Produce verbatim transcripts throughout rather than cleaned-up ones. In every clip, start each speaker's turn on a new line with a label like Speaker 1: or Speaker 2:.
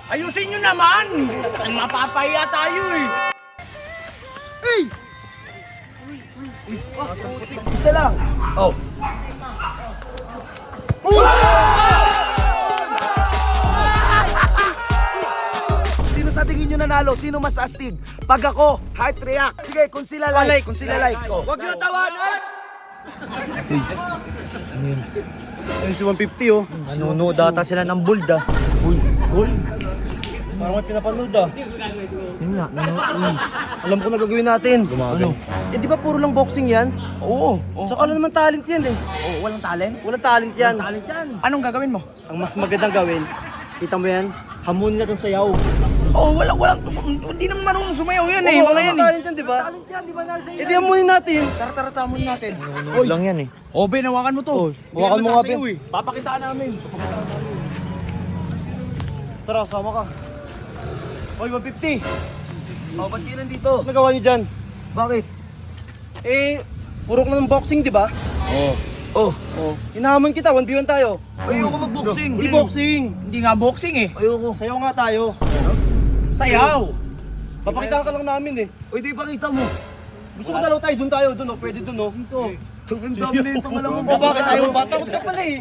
Speaker 1: Ayusin nyo naman! Saan mapapahiya tayo eh!
Speaker 2: Hey! Isa lang. Oh. Sino sa tingin nyo nanalo? Sino mas astig? Pag ako, heart react. Sige, kung sila like, kung sila like. Oh.
Speaker 1: Huwag nyo tawanan!
Speaker 2: Ayun si one fifty oh. Nanunood data sila ng bold ah. Bold? Bold? Parang may pinapanood ah. Yun nga, nanonood. Alam ko na gagawin natin. Ano? Eh di ba puro lang boxing yan?
Speaker 1: Oo.
Speaker 2: Tsaka ano naman talent yan eh.
Speaker 1: Oh, walang talent?
Speaker 2: Walang talent yan.
Speaker 1: Talent yan. Anong gagawin mo?
Speaker 2: Ang mas magandang gawin, kita mo yan, hamunin natin sayaw.
Speaker 1: Oh, walang, walang, hindi naman marunong sumayaw yan eh, mga yan eh.
Speaker 2: Talent yan, di ba?
Speaker 1: Talent yan, di ba nasa
Speaker 2: Eh di hamunin natin.
Speaker 1: Tara, tara, tamon natin.
Speaker 2: Oy lang yan eh.
Speaker 1: Oh, Ben, hawakan mo to.
Speaker 2: Oh,
Speaker 1: Hindi
Speaker 2: hawakan
Speaker 1: ka
Speaker 2: mo nga,
Speaker 1: masasayaw
Speaker 2: Ben.
Speaker 1: eh. Papakitaan namin.
Speaker 2: Tara, sama ka. Oy, one fifty.
Speaker 1: Oh, ba't kayo nandito?
Speaker 2: Ano nagawa niyo dyan?
Speaker 1: Bakit?
Speaker 2: Eh, puro ka ng boxing, di ba?
Speaker 1: Oh.
Speaker 2: Oh. Oh. Hinahamon kita, one v one tayo.
Speaker 1: Ayoko mag-boxing.
Speaker 2: Hindi boxing.
Speaker 1: Hindi nga boxing eh.
Speaker 2: Ayoko. Sayaw nga tayo.
Speaker 1: Sayaw.
Speaker 2: Papakitaan ka lang namin eh.
Speaker 1: Uy, di pakita mo.
Speaker 2: Gusto ko dalaw tayo, dun tayo, dun oh. Pwede dun oh. Dito.
Speaker 1: Ang dami na itong alam mo.
Speaker 2: Oh, bakit ayaw mo ba? Takot ka pala eh.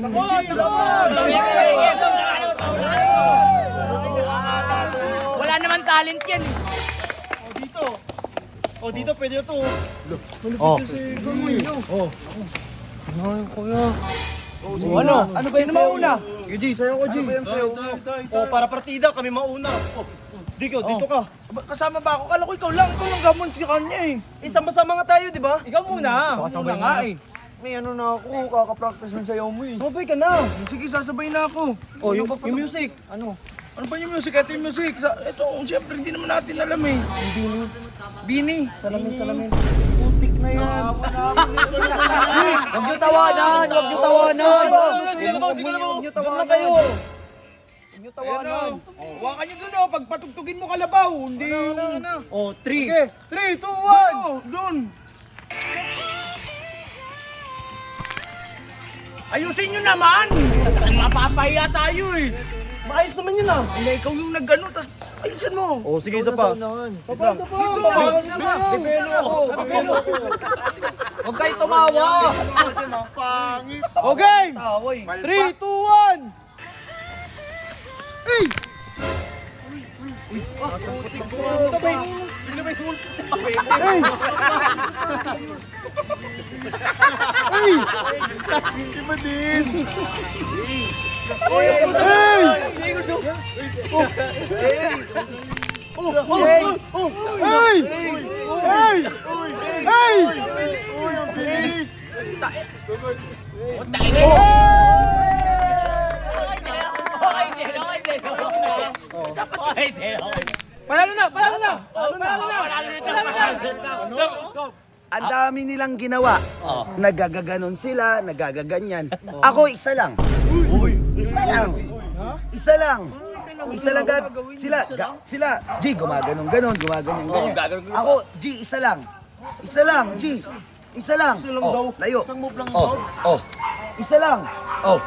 Speaker 1: Wala naman talent yan eh.
Speaker 2: Oh, dito. Oh, dito pwede na to.
Speaker 1: Oh.
Speaker 2: Oh. Ano, kuya?
Speaker 1: Oh, ano? Ano ba yung mauna?
Speaker 2: G, sayo ko, G. Ano ba yung sayo ko? Oh, para partida, kami mauna. Oh, dito, dito ka.
Speaker 1: Kasama ba ako? Kala ko ikaw lang. Ikaw lang gamon si kanya eh.
Speaker 2: Eh, sama-sama nga tayo, di ba?
Speaker 1: Ikaw muna. Muna nga eh.
Speaker 2: May ano na ako, kaka-practice ng sayaw mo eh. Sabay ka na.
Speaker 1: Sige, sasabay na ako.
Speaker 2: Oh, yung, yung music.
Speaker 1: Ano? Ano ba yung music? Ito yung music. Sa- Ito, siyempre hindi naman natin alam eh. Bini. Bini.
Speaker 2: Salamin, salamin. Putik na yan.
Speaker 1: Huwag niyo tawanan! Huwag niyo tawanan!
Speaker 2: Sige na ba? Sige na ba? Huwag niyo tawanan kayo. Huwag niyo tawanan.
Speaker 1: Huwakan niyo dun oh. Pag patugtugin mo kalabaw. Hindi.
Speaker 2: Oh, three.
Speaker 1: Sige.
Speaker 2: three, two, one.
Speaker 1: Doon. Ayusin nyo naman! Saan mapapahiya tayo eh!
Speaker 2: Maayos naman yun ah.
Speaker 1: Hindi, ikaw yung nag-ano, tas ayusin mo!
Speaker 2: Oh, sige, isa pa. Papa, isa pa. Bibelo ako. Bibelo ako.
Speaker 1: Huwag kayo tumawa!
Speaker 2: Okay. three, two, one. Hey! Hey! Hey! Hindi ba din? Hey! Hey! Oh! Oh! Oh! Hey! Hey! Hey!
Speaker 3: Uy, ang bilis!
Speaker 1: Okay din! Okay din, okay din! Okay din, okay din! Panalo na! Panalo na! Panalo na! Panalo na!
Speaker 2: Ang dami nilang ginawa. Nagagaganon sila, nagagaganyan. Ako isa lang. Isa lang. Isa lang. Isa lang gag sila ga, sila G gumaganon ganon, gumaganon ganyan. Ako G isa lang. Isa lang G. Isa lang. Oh, layo.
Speaker 3: Isang move lang
Speaker 2: Oh,
Speaker 3: daw.
Speaker 2: oh. Isa lang. Oh.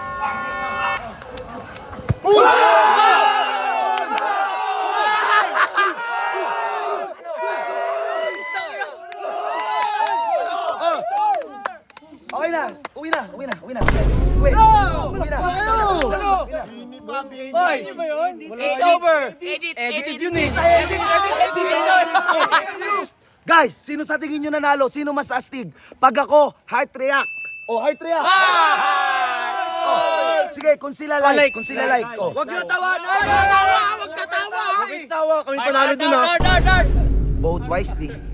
Speaker 2: Okay na, uwi na, uwi na, uwi na. Uwi. Uwi na.
Speaker 1: Ano?
Speaker 3: Bini pa, bini.
Speaker 1: Hoy! It's over! Edit!
Speaker 2: Edited yun eh.
Speaker 1: Edit! Edit! Edit!
Speaker 2: Guys, sino sa tingin nyo nanalo? Sino mas astig? Pag ako, heart react. Oh, heart react. Oh, sige, kung sila like, kung sila like. Oh.
Speaker 1: Huwag niyo tawanan! Huwag niyo tawa! Huwag niyo tawa!
Speaker 2: Tawa, kami panalo dun ha.
Speaker 1: Dart! Dart!
Speaker 2: Vote wisely.